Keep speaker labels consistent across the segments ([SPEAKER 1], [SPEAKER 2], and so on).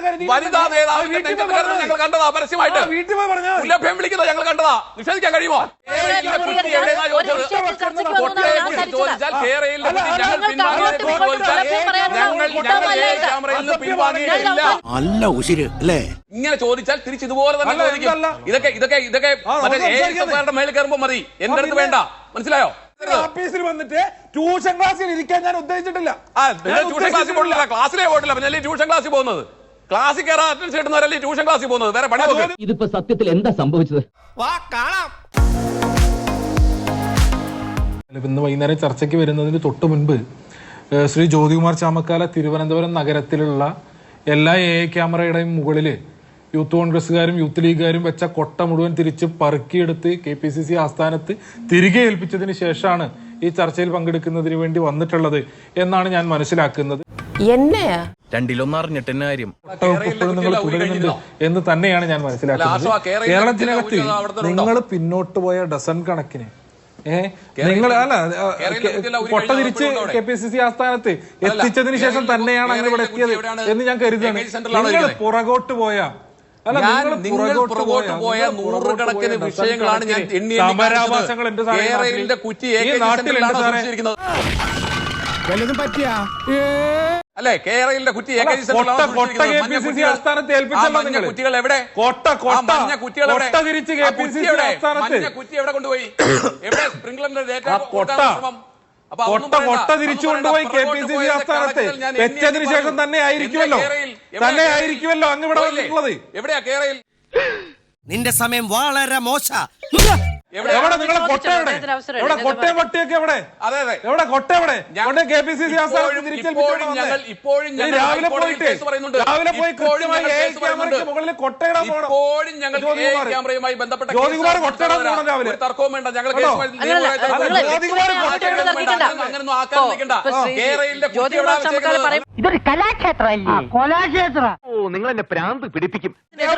[SPEAKER 1] വനിതാ നേതാവിന്റെ ഞങ്ങൾ കണ്ടതാ പരസ്യമായിട്ട് ലഭ്യം വിളിക്കുന്നത് ഞങ്ങൾ കണ്ടതാ. നിഷേധിക്കാൻ കഴിയുമോ? ചോദിച്ചാൽ കേരളയിൽ
[SPEAKER 2] നല്ല ഉശിര് അല്ലേ?
[SPEAKER 1] ഇങ്ങനെ ചോദിച്ചാൽ തിരിച്ച് ഇതുപോലെ തന്നെ ചോദിക്കും. ഇതൊക്കെ മറ്റേ മേളിൽ കയറുമ്പോ മതി, എന്റെ അടുത്ത് വേണ്ട. മനസ്സിലായോ?
[SPEAKER 3] ഓഫീസിൽ വന്നിട്ട് ട്യൂഷൻ ക്ലാസ്സിൽ ഇരിക്കാൻ ഞാൻ ഉദ്ദേശിച്ചിട്ടില്ല.
[SPEAKER 1] ട്യൂഷൻ ക്ലാസ്സിൽ പോയിട്ടില്ല, ക്ലാസ്സിലേ പോയിട്ടില്ല. പിന്നെ ട്യൂഷൻ ക്ലാസ്സിൽ പോകുന്നത്, ക്ലാസ്സിൽ കയറാൻ അറ്റൻഷൻ കിട്ടുന്നവരല്ലേ ട്യൂഷൻ ക്ലാസ്സിൽ പോകുന്നത്. വേറെ പണി നോക്ക്.
[SPEAKER 4] ഇതിപ്പോ സത്യത്തിൽ എന്താ സംഭവിച്ചത്?
[SPEAKER 3] ഇന്ന് വൈകുന്നേരം ചർച്ചയ്ക്ക് വരുന്നതിന് തൊട്ട് മുൻപ് ശ്രീ ജ്യോതികുമാർ ചാമക്കാല തിരുവനന്തപുരം നഗരത്തിലുള്ള എല്ലാ ക്യാമറയുടെയും മുകളില് യൂത്ത് കോൺഗ്രസ്സുകാരും യൂത്ത് ലീഗുകാരും വെച്ച കൊട്ട മുഴുവൻ തിരിച്ച് പറക്കിയെടുത്ത് KPCC ആസ്ഥാനത്ത് തിരികെ ഏൽപ്പിച്ചതിന് ശേഷമാണ് ഈ ചർച്ചയിൽ പങ്കെടുക്കുന്നതിന് വേണ്ടി വന്നിട്ടുള്ളത് എന്നാണ് ഞാൻ മനസ്സിലാക്കുന്നത്.
[SPEAKER 2] രണ്ടിലൊന്നറിഞ്ഞിട്ട് കാര്യം
[SPEAKER 3] നിങ്ങൾ തുടരുന്നുണ്ട് എന്ന് തന്നെയാണ് ഞാൻ മനസ്സിലാക്കുന്നത്. കേരളത്തിനകത്ത് നിങ്ങൾ പിന്നോട്ട് പോയ ഡസൺ കണക്കിന് നിങ്ങൾ കൊട്ട തിരിച്ച് KPCC ആസ്ഥാനത്ത് എത്തിച്ചതിന് ശേഷം തന്നെയാണ് അങ്ങനെ ഇവിടെ എത്തിയത് എന്ന് ഞാൻ കരുതുകയാണ്. നിങ്ങൾ പുറകോട്ട് പോയ
[SPEAKER 1] നൂറുകണക്കിന് വിഷയങ്ങളാണ് ഞാൻ കേരളത്തിന്റെ കുറ്റി അല്ലെ? കേരളത്തിന്റെ കുറ്റി കുറ്റികൾ എവിടെ? മഞ്ഞ കുറ്റികൾ കുറ്റി എവിടെ കൊണ്ടുപോയി? എവിടെ സ്പ്രിംഗ്ലറിന്റെ
[SPEAKER 3] കൊട്ട തിരിച്ചു കൊണ്ടുപോയി KPCC ആസ്ഥാനത്ത് വെച്ചതിന് ശേഷം തന്നെ ആയിരിക്കുമല്ലോ അങ്ങ് ഇവിടെ വന്നിട്ടുള്ളത്.
[SPEAKER 1] എവിടെയാ കേരളയിൽ?
[SPEAKER 2] നിന്റെ സമയം വളരെ മോശ.
[SPEAKER 3] എവിടെ നിങ്ങളെ കൊട്ട? എവിടെ കൊട്ടയും വട്ടിയൊക്കെ എവിടെ? എവിടെ കൊട്ട? എവിടെ KPCC ആസ്ഥാനത്ത് രാവിലെ പോയി കൃത്യമായി മുകളിൽ കൊട്ടയിടാൻ
[SPEAKER 1] ക്യാമറയുമായി ബന്ധപ്പെട്ട
[SPEAKER 3] ജ്യോതികുമാർ കൊട്ടയിടാൻ പോകണം രാവിലെ.
[SPEAKER 1] തർക്കവും വേണ്ട. ഞങ്ങൾ അങ്ങനൊന്നും ആക്കാൻ നിൽക്കണ്ട. കേരളയിലെ
[SPEAKER 4] ഇതൊരു കലാക്ഷേത്രമല്ലേ?
[SPEAKER 2] നിങ്ങൾ എന്നെ പ്രാന്ത് പിടിപ്പിക്കും.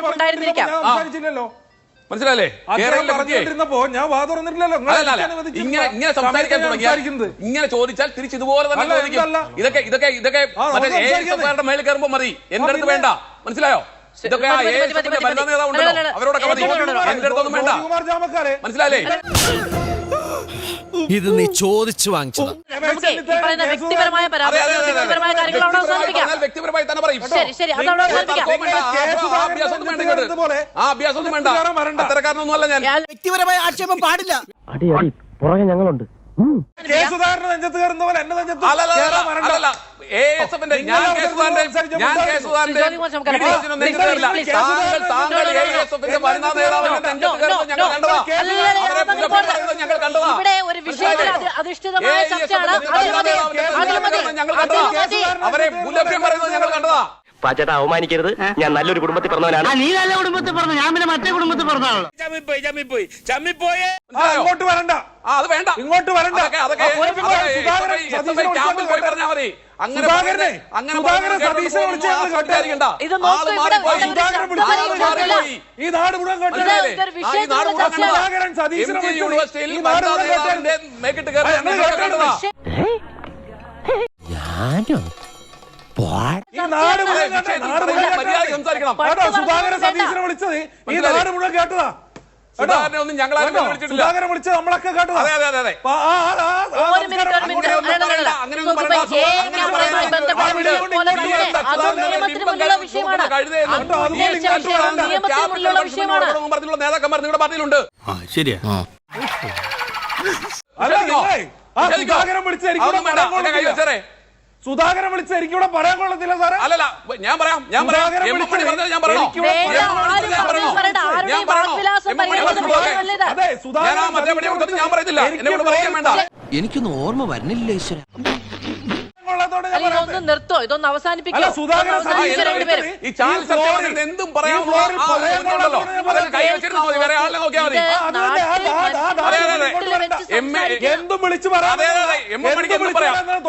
[SPEAKER 1] മനസ്സിലല്ലേ?
[SPEAKER 3] ഞാൻ വാ തുറന്നിട്ടില്ലല്ലോ.
[SPEAKER 1] ഇങ്ങനെ സംസാരിക്കാൻ തുടങ്ങിയത് ഇങ്ങനെ ചോദിച്ചാൽ തിരിച്ച് ഇതുപോലെ തന്നെ ചോദിക്കും. ഇതൊക്കെ മറ്റേ മേളിൽ കയറുമ്പോ മതി, എന്റെ അടുത്ത് വേണ്ട. മനസ്സിലായോ? ഇതൊക്കെ വനിതാ നേതാവുണ്ടല്ലോ, അവരോടൊക്കെ മതി, എന്റെ അടുത്തൊന്നും വേണ്ട. മനസ്സിലായില്ലേ?
[SPEAKER 2] ഇത് നീ ചോദിച്ചു വാങ്ങിച്ചത്.
[SPEAKER 1] വ്യക്തിപരമായി തന്നെ പറയും. അഭ്യാസമൊന്നും വേണ്ട. അത്തരക്കാരനൊന്നും അല്ല ഞാൻ.
[SPEAKER 2] വ്യക്തിപരമായ ആക്ഷേപം പാടില്ല.
[SPEAKER 4] പുറകെ ഞങ്ങളുണ്ട്.
[SPEAKER 1] അവരെ മുലഭ്യം പറയുന്നത് ഞങ്ങൾ കണ്ടതാ.
[SPEAKER 4] പാച്ചേട്ടാ അവമാനിക്കരുത്, ഞാൻ നല്ലൊരു കുടുംബത്തിൽ പറഞ്ഞവനാണ്. നീ നല്ല കുടുംബത്തിൽ പറഞ്ഞു, ഞാൻ പിന്നെ മറ്റേ കുടുംബത്തിൽ പറഞ്ഞാണ്.
[SPEAKER 3] ഇങ്ങോട്ട് വരണ്ട,
[SPEAKER 1] അത് വേണ്ട,
[SPEAKER 3] ഇങ്ങോട്ട് വരണ്ട. ഈ നാട് മുഴുവൻ സുധാകരൻ സതീശനെ വിളിച്ചത് ഈ നാട് മുഴുവൻ കേട്ടതാ.
[SPEAKER 1] സുധാകരനൊന്നും ഞങ്ങളാരും വിളിച്ചിട്ടില്ല.
[SPEAKER 3] സുധാകരൻ വിളിച്ചത് നമ്മളൊക്കെ കേട്ടതാ.
[SPEAKER 1] നേതാക്കന്മാർ നിങ്ങളുടെ പാർട്ടിയിലുണ്ട്.
[SPEAKER 2] ശരിയാ.
[SPEAKER 3] സുധാകരൻ വിളിച്ച എനിക്ക് ഇവിടെ പറയാൻ കൊള്ളത്തില്ല സാറേ.
[SPEAKER 1] അല്ലല്ല, ഞാൻ പറയാം. ഞാൻ പറയത്തില്ല, എന്നോട് പറയാൻ വേണ്ട.
[SPEAKER 2] എനിക്കൊന്നും ഓർമ്മ വരുന്നില്ല ഈശ്വര.
[SPEAKER 5] നിർത്തോ, ഇതൊന്ന് അവസാനിപ്പിക്കും.
[SPEAKER 1] ഈ ചാനൽ എന്തും പറയാമോ? വേറെ ആളെ നോക്കിയാൽ മതി.
[SPEAKER 3] എന്തും വിളിച്ചു പറയാം.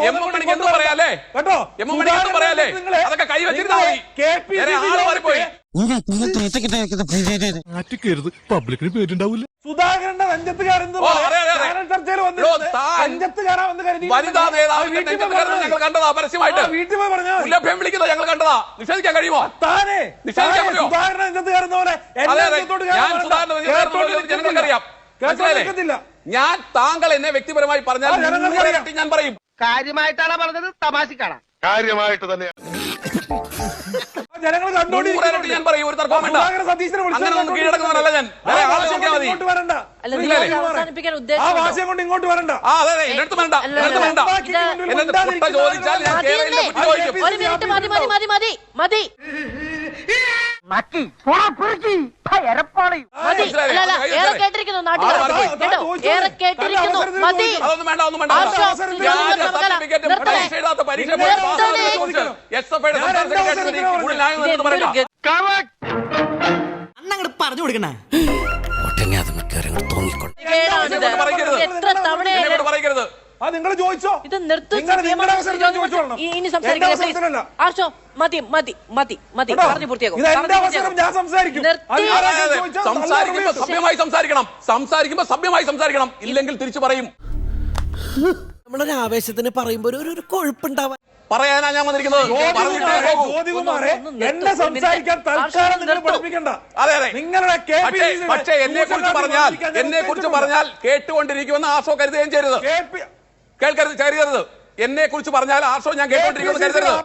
[SPEAKER 1] പറയാല്ലേ? അതൊക്കെ കൈ വെച്ചിരുന്നാ മതി.
[SPEAKER 2] പബ്ലിക്കിന് പേരുണ്ടാവില്ല.
[SPEAKER 3] സുധാകരന്റെ നെഞ്ചത്ത് കയറുന്നത് ചർച്ചയിൽ വന്നിരുന്നത്
[SPEAKER 1] വനിതാ നേതാവിന്റെ നെഞ്ചത്ത് കയറുന്നത് ഞങ്ങൾ കണ്ടതാ പരസ്യമായിട്ട്.
[SPEAKER 3] വീട്ടിൽ പോയി പറഞ്ഞാൽ
[SPEAKER 1] മുല്ലഭ്യം വിളിക്കുന്നത് ഞങ്ങൾ കണ്ടതാ. നിഷേധിക്കാൻ കഴിയുമോ?
[SPEAKER 3] താനെ
[SPEAKER 1] നിഷേധിക്കാൻ പറ്റുമോ?
[SPEAKER 3] സുധാകരന്റെ നെഞ്ചത്ത് കയറുന്ന പോലെ
[SPEAKER 1] ഞാൻ സുധാകരന്റെ നെഞ്ചത്ത് കയറുന്നത് ജനങ്ങൾക്കറിയാം. മനസ്സിലായില്ലേ? ഞാൻ താങ്കൾ എന്നെ വ്യക്തിപരമായി പറഞ്ഞാൽ ഞാൻ പറയും.
[SPEAKER 4] കാര്യമായിട്ടാണ് പറഞ്ഞത്, തമാശക്കാണ്.
[SPEAKER 6] കാര്യമായിട്ട് തന്നെയാണ്.
[SPEAKER 3] ജനങ്ങൾ
[SPEAKER 1] നൂറായിട്ട് ഞാൻ പറയും. ഒരു തർക്കവും വേണ്ട. അങ്ങനെ ഒന്നും കീഴടക്കുന്നവരല്ല ഞാൻ. വേറെ ആളെ നോക്കിയാൽ മതി.
[SPEAKER 5] അല്ല, നിങ്ങൾ അവസാനിപ്പിക്കാൻ
[SPEAKER 3] ആ
[SPEAKER 5] ഉദ്ദേശിച്ചത്
[SPEAKER 3] ഭാഷ കൊണ്ട് ഇങ്ങോട്ട് വരണ്ട.
[SPEAKER 1] അതെ എന്റെ അടുത്ത് വേണ്ട. എന്റെ വേണ്ട. എന്നെ കുട്ട ചോദിച്ചാൽ ഞാൻ കേരളത്തിലെ കുട്ടി ചോദിക്കും.
[SPEAKER 5] ഒരു മിനിറ്റ് മതി മതി മതി മതി മതി മതി. അല്ല അല്ല, ഏറെ കേട്ടിരിക്കുന്നു നാട്ടുകാർ കേട്ടോ, ഏറെ കേട്ടിരിക്കുന്നു. മതി.
[SPEAKER 1] അതൊന്നും വേണ്ട, ഒന്നും വേണ്ട. വ്യാജ സർട്ടിഫിക്കറ്റും പരീക്ഷ എഴുതാത്ത പരീക്ഷ SFIയുടെ സംസ്ഥാന സെക്രട്ടറി കൂടുതൽ ന്യായം എന്ന് പറയുക.
[SPEAKER 2] അന്നങ്ങട് പറഞ്ഞു കൊടുക്കണേ.
[SPEAKER 5] എത്ര തവണ
[SPEAKER 1] പറയരുത്.
[SPEAKER 3] നിങ്ങൾ ചോദിച്ചോ?
[SPEAKER 5] ഇത് നിർത്തും. ഇനി
[SPEAKER 3] സംസാരിക്കില്ല.
[SPEAKER 5] ആർഷോ മതി മതി മതി മതി പറഞ്ഞു പൂർത്തിയാക്കും.
[SPEAKER 3] ഞാൻ സംസാരിക്കും.
[SPEAKER 1] സംസാരിക്കുമ്പോ സഭ്യമായി സംസാരിക്കണം. സംസാരിക്കുമ്പോ സഭ്യമായി സംസാരിക്കണം. ഇല്ലെങ്കിൽ തിരിച്ചു പറയും.
[SPEAKER 2] നമ്മളൊരു ആവേശത്തിന് പറയുമ്പോ ഒരു കൊഴുപ്പുണ്ടാവാൻ
[SPEAKER 1] പറയാനാ ഞാൻ വന്നിരിക്കുന്നത്.
[SPEAKER 3] ജ്യോതികുമാരെ എന്നെ സംസാരിക്കാൻ തൽക്കാലം നിങ്ങൾ പഠിപ്പിക്കണ്ട.
[SPEAKER 1] അതെ അതെ.
[SPEAKER 3] നിങ്ങളുടെ
[SPEAKER 1] പക്ഷേ എന്നെ കുറിച്ച് പറഞ്ഞാൽ കേട്ടുകൊണ്ടിരിക്കുമെന്ന് ആർഷോ കരുതുകയും ചെയ്യരുത്. കേൾക്കരുത്, കരുതരുത്. എന്നെ കുറിച്ച് പറഞ്ഞാൽ ആർഷോ ഞാൻ കേട്ടോണ്ടിരിക്കുമെന്ന് കരുതരുത്.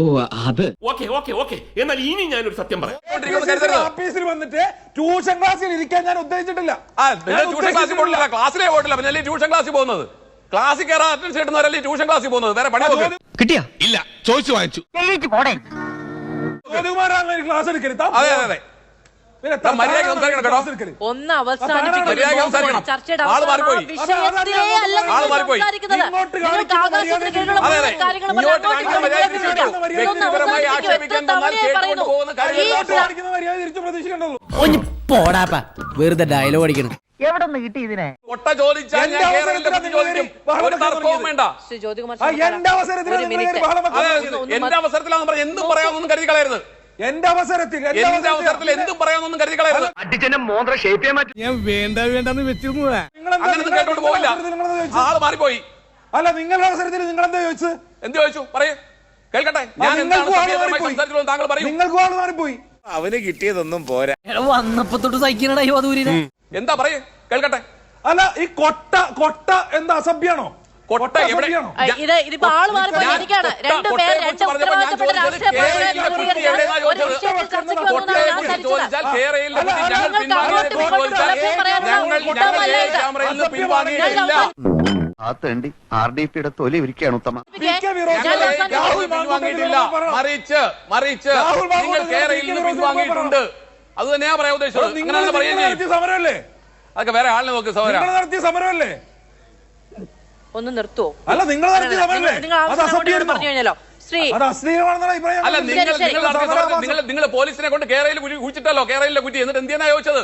[SPEAKER 6] എന്നാൽ ഇനി ഞാനൊരു സത്യം പറയാം.
[SPEAKER 3] ഓഫീസിൽ വന്നിട്ട് ട്യൂഷൻ ക്ലാസ്സിൽ ഇരിക്കാൻ ഞാൻ ഉദ്ദേശിച്ചിട്ടില്ല.
[SPEAKER 1] ട്യൂഷൻ ക്ലാസ്സിൽ പോയിട്ടില്ല. ക്ലാസ്സിലേ പോയിട്ടില്ല. പിന്നെ ട്യൂഷൻ ക്ലാസ്സിൽ പോകുന്നത്. ക്ലാസ്സിൽ കയറാൻ അറ്റൻഡൻസ് കിട്ടുന്നവരല്ലേ ട്യൂഷൻ ക്ലാസ്സിൽ പോകുന്നത്. വേറെ പണി നോക്ക്.
[SPEAKER 2] കിട്ടിയാ
[SPEAKER 6] ഇല്ല, ചോദിച്ചു വാങ്ങിച്ചു.
[SPEAKER 3] ജ്യോതികുമാരാണ് ക്ലാസ് എടുക്കരുത്.
[SPEAKER 1] അതെ അതെ അതെ. മര്യാദ സംസാരിക്കണം കേട്ടോ.
[SPEAKER 5] ഒന്ന് അവസാനിപ്പിക്കും.
[SPEAKER 1] മര്യാദ സംസാരിക്കണം.
[SPEAKER 5] ചർച്ചയുടെ
[SPEAKER 1] ആള് മാറിപ്പോയി.
[SPEAKER 5] വിഷയത്തിലേ അല്ല
[SPEAKER 1] ആള് മാറിപ്പോയി.
[SPEAKER 5] നിങ്ങൾക്ക് ആകാശത്തിന് കീഴിലുള്ള
[SPEAKER 1] അതെ അതെ.
[SPEAKER 5] കാര്യങ്ങൾ
[SPEAKER 1] ഇങ്ങോട്ട് കാണിക്കുന്ന മര്യാദ തിരിച്ചു. വ്യക്തിപരമായി ആക്ഷേപിക്കാൻ തന്നാൽ കേട്ടുകൊണ്ട് പോകുന്ന
[SPEAKER 3] പ്രതീക്ഷിക്കണ്ടല്ലോ.
[SPEAKER 2] പോടാപ്പാ, വെറുതെ ഡയലോഗ് അടിക്കണം.
[SPEAKER 4] എവിടെ നിന്ന് കിട്ടി ഇതിനെ?
[SPEAKER 1] കൊട്ട ചോദിച്ചാൽ ഞാൻ കേരളത്തിലെ കുട്ടി ചോദിക്കും. ഒരു തർക്കവും വേണ്ട.
[SPEAKER 5] ശ്രീ ജ്യോതികുമാർ
[SPEAKER 3] എന്റെ അവസരത്തിൽ
[SPEAKER 1] എന്റെ അവസരത്തിലാണെന്ന് പറഞ്ഞ് എന്തും പറയാമെന്നൊന്നും കരുതി കളയരുത്.
[SPEAKER 3] എന്റെ അവസരത്തിൽ
[SPEAKER 1] എന്തും പറയാമെന്നൊന്നും കരുതി കളയരുത്.
[SPEAKER 4] അടിച്ചെന്നെ മോന്ത്ര ഷേപ്പ് ചെയ്യാൻ പറ്റും.
[SPEAKER 2] ഞാൻ വേണ്ടെന്ന് വെച്ചിരുന്നതാ.
[SPEAKER 1] അങ്ങനെയൊന്നും കേട്ടോണ്ട് പോവില്ല. ആള് മാറിപ്പോയി.
[SPEAKER 3] അല്ല, നിങ്ങളുടെ അവസരത്തിൽ നിങ്ങൾ എന്താ ചോദിച്ചത്?
[SPEAKER 1] എന്ത് ചോദിച്ചു? പറയൂ, കേൾക്കട്ടെ. ഞാൻ സംസാരിച്ചോളൂ, താങ്കൾ പറയൂ.
[SPEAKER 3] നിങ്ങൾക്ക് ആള് മാറിപ്പോയി.
[SPEAKER 6] അവന് കിട്ടിയതൊന്നും പോരാ.
[SPEAKER 2] വന്നപ്പോ തൊട്ട് സഹിക്കണടാ ഈ വധൂരിനെ.
[SPEAKER 1] എന്താ പറയൂ, കേൾക്കട്ടെ.
[SPEAKER 3] അല്ല, ഈ കൊട്ട എന്താ അസഭ്യാണോ?
[SPEAKER 1] കൊട്ട എവിടെ?
[SPEAKER 5] ഇതിപ്പോ ആള് മാറിപ്പോയി. എനിക്കാണ് രണ്ടുപേർ രണ്ട് ഉത്തരവാദിത്തപ്പെട്ട രാഷ്ട്രീയ
[SPEAKER 4] RDPയുടെ തൊലി ഇരിക്കുകയാണ് ഉത്തമ.
[SPEAKER 1] മറിച്ച് നിങ്ങൾ കേരളയിൽ നിന്ന് പിൻവാങ്ങിയിട്ടുണ്ട്. അത് തന്നെയാ പറയാൻ ഉദ്ദേശിച്ചത്. അങ്ങനെ പറയുകയും
[SPEAKER 3] സമരമല്ലേ?
[SPEAKER 1] അതൊക്കെ വേറെ ആളിനെ നോക്ക്. സഹോദരൻ
[SPEAKER 3] നടത്തിയ സമരമല്ലേ?
[SPEAKER 5] ഒന്ന് നിർത്തുവോ?
[SPEAKER 3] അല്ല, നിങ്ങൾ നടത്തിയ സമരമല്ലേ?
[SPEAKER 5] പറഞ്ഞു കഴിഞ്ഞാലോ ശ്രീ?
[SPEAKER 1] അല്ല, നിങ്ങൾ പോലീസിനെ കൊണ്ട് കേരളയിൽ കുഴിച്ചിട്ടല്ലോ. കേരളയിലെ കുറ്റി. എന്നിട്ട് എന്തിനാ ചോദിച്ചത്?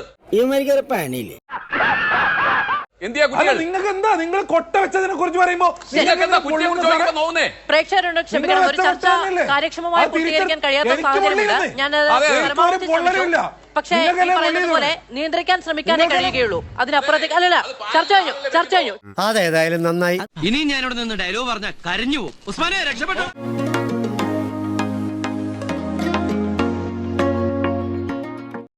[SPEAKER 1] എന്തിയാ കുട്ടികൾ?
[SPEAKER 3] നിങ്ങൾക്ക് എന്താ, നിങ്ങൾ കൊട്ട വെച്ചതിനെ കുറിച്ച് പറയുമ്പോ
[SPEAKER 1] നിങ്ങൾക്ക് എന്താ കുറ്റിയെ കുറിച്ച് ചോദിക്കാൻ തോന്നുന്നേ?
[SPEAKER 5] പ്രേക്ഷകരുണ്ട്, ക്ഷമിക്കണം. ഒരു ചർച്ച കാര്യക്ഷമമായി പൂർത്തീകരിക്കാൻ കഴിയാത്ത സാഹചര്യമുണ്ട്. ഞാനത് പരമാവധി ശ്രമിച്ചു. പക്ഷേ ഈ പറയുന്നത് പോലെ നിയന്ത്രിക്കാൻ ശ്രമിക്കാനേ കഴിയുകയുള്ളൂ. അതിനപ്പുറത്തേക്ക് അല്ലല്ല. ചർച്ച കഴിഞ്ഞു.
[SPEAKER 2] അതേതായാലും നന്നായി. ഇനി ഞാനിവിടെ നിന്ന് ഡയലോഗ് പറഞ്ഞ കരഞ്ഞു പോകും. ഉസ്മാനെ രക്ഷപ്പെട്ടു.